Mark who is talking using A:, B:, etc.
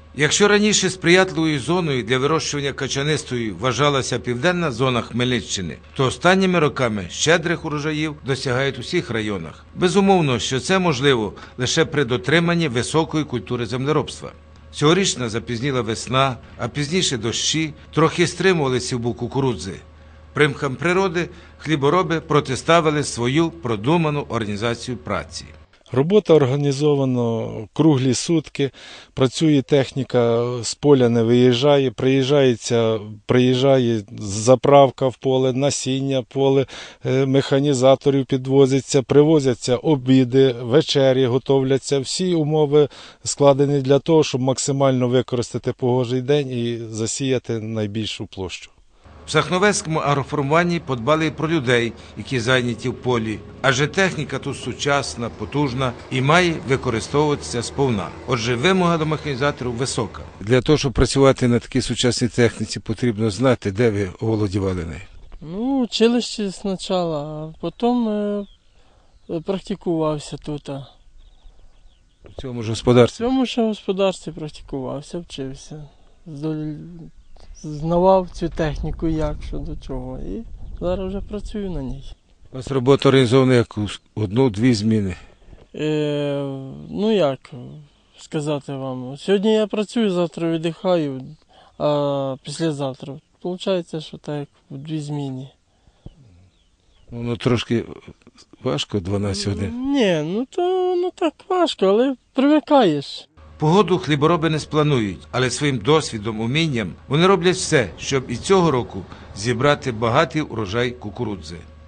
A: Якщо раніше сприятливою зоною для вирощування качанистої вважалася південна зона Хмельниччини, то останніми роками щедрих урожаїв досягають у всіх районах. Безумовно, що це можливо лише при дотриманні високої культури землеробства. Цьогорічна запізніла весна, а пізніше дощі трохи стримували сівбу кукурудзи. Примхам природи хлібороби протиставили свою продуману організацію праці.
B: Робота організована круглі сутки, працює техніка, з поля не виїжджає, приїжджає заправка в поле, насіння в поле, механізаторів підвозиться, привозяться обіди, вечері готовляться. Всі умови складені для того, щоб максимально використати погожий день і засіяти найбільшу площу.
A: В Сахновецькому агроформуванні подбали і про людей, які зайняті в полі, адже техніка тут сучасна, потужна і має використовуватися сповна. Отже, вимога до механізаторів висока. Для того, щоб працювати на такій сучасній техніці, потрібно знати, де ви оволодівали нею.
C: Ну, училище спочатку, а потім практикувався тут.
A: В цьому ж господарстві?
C: В цьому ж господарстві практикувався, вчився. Знавав цю техніку, як, що до чого, і зараз вже працюю на ній.
A: У вас робота організована як одну-дві зміни?
C: Ну як сказати вам, сьогодні я працюю, завтра віддихаю, а післязавтра. Получається, що так, в дві зміни.
A: Воно трошки важко, 12 годин?
C: Ні, ну то ну так важко, але привикаєш.
A: Погоду хлібороби не спланують, але своїм досвідом, умінням вони роблять все, щоб і цього року зібрати багатий урожай кукурудзи.